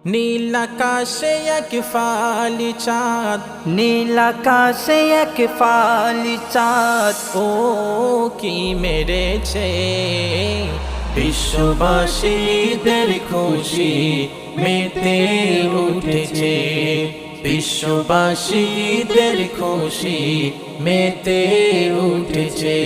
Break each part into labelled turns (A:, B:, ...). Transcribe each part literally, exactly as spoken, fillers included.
A: নীল আকাশে এক ফালি চাঁদ,
B: নীল আকাশে এক ফালি চাঁদ
A: ও কি মেরেছে। বিশ্ববাসীদের খুশি মেতে উঠেছে, বিশ্ববাসীদের খুশি মেতে উঠেছে।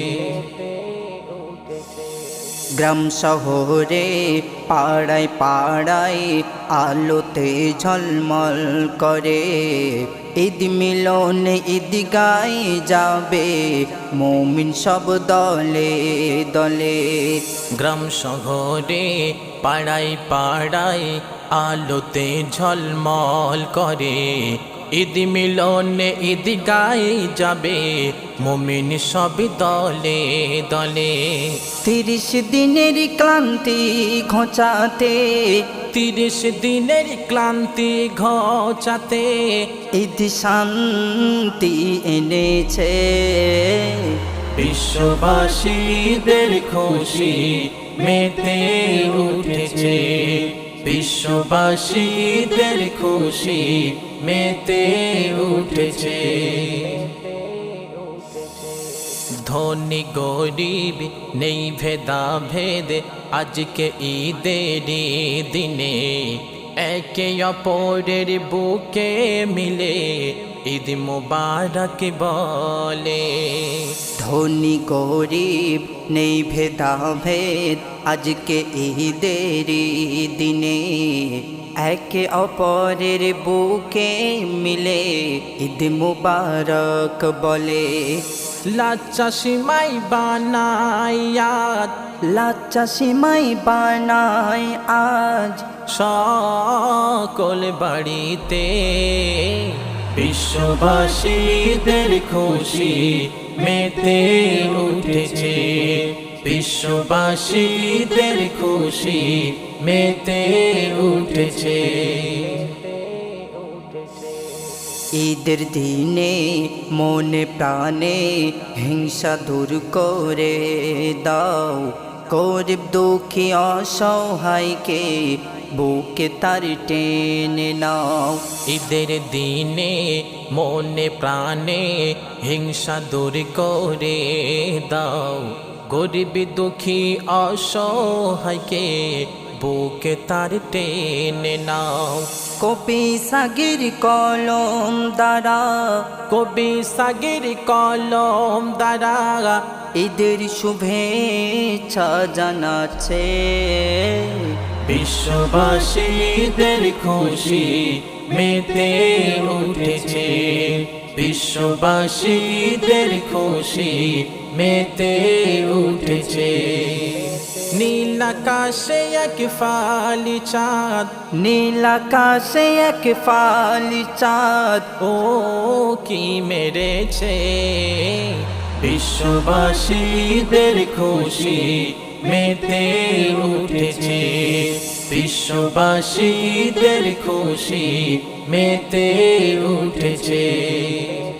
B: গ্রাম শহরে পাড়ায় পাড়ায় আলোতে ঝলমল করে, ঈদ মিলন ঈদ গাই যাবে মুমিন সব দলে দলে।
A: গ্রাম শহরে পাড়ায় পাড়ায় আলোতে ঝলমল করে, ঈদ মিলনে ঈদ গাই যাবে মুমিন সব দলে দলে।
B: তিরিশ দিনের ক্লান্তি ঘোচাতে,
A: তিরিশ দিনের ক্লান্তি ঘোচাতে
B: ঈদ শান্তি এনেছে।
A: বিশ্ববাসীদের খুশি মেতে উঠেছে, বিশ্ববাসীদের খুশি মেতে উঠেছে। ধনী গরিব নেই ভেদা ভেদ আজকে ঈদের দিনে, একে অপরের বুকে মিলে ঈদ মুবারক বলে।
B: ধনী গরিব নেই ভেদা ভেদ আজকে ঈদের দিনে, একে অপরের বুকে মিলে ঈদ মুবারক বলে।
A: লাচ্চা সিমাই বানাই আজ,
B: লাচ্চা সিমাই বানাই আজ
A: সকল বাড়িতে, বিশ্ববাসীদের খুশি মেতে উঠেছে, বিশ্ববাসীদের খুশি মেতে উঠেছে।
B: ঈদের দিনে মনে প্রাণে হিংসা দূর করে দাও, গরিব দুঃখী অসহায়কে বুকে তার টেনে নাও।
A: ঈদের দিনে মনে প্রাণে হিংসা দূর করে দাও, গরিব দুঃখী অসহায়কে বুকে তার টেনে নাও।
B: কবি সাগির কলম দ্বারা,
A: কবি সাগির কলম দ্বারা
B: ঈদের শুভেচ্ছা জানাচ্ছে।
A: বিশ্ববাসীদের খুশি মেতে উঠেছে, বিশ্ববাসীদের খুশি মেতে উঠেছে। নীল আকাশে এক ফালি চাঁদ,
B: নীল আকাশে এক ফালি চাঁদ
A: ও কি মেরেছে। বিশ্ববাসীদের খুশি মেতে উঠেছে, বিশ্ববাসীদের খুশি মেতে উঠেছে।